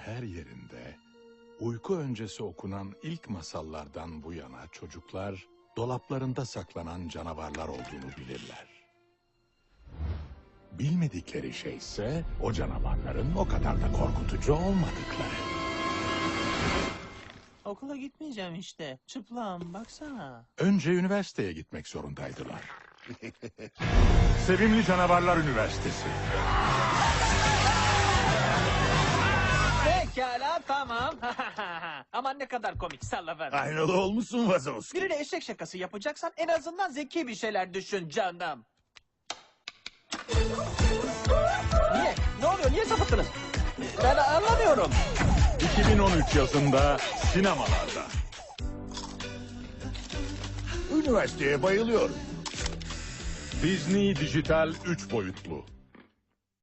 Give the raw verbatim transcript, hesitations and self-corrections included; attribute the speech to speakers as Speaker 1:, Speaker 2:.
Speaker 1: her yerinde, uyku öncesi okunan ilk masallardan bu yana çocuklar, dolaplarında saklanan canavarlar olduğunu bilirler. Bilmedikleri şey ise o canavarların o kadar da korkutucu olmadıkları.
Speaker 2: Okula gitmeyeceğim işte. Çıplağım baksana.
Speaker 1: Önce üniversiteye gitmek zorundaydılar. Sevimli Canavarlar Üniversitesi.
Speaker 2: Pekala tamam. Aman ne kadar komik sallaver.
Speaker 3: Aynalı olmuşsun Wazowski.
Speaker 2: Birine eşek şakası yapacaksan en azından zeki bir şeyler düşün canım. Niye? Ne oluyor? Niye sapıttınız? Ben anlamıyorum.
Speaker 1: iki bin on üç yazında sinemalarda.
Speaker 3: Üniversiteye bayılıyorum.
Speaker 1: Disney Dijital üç boyutlu.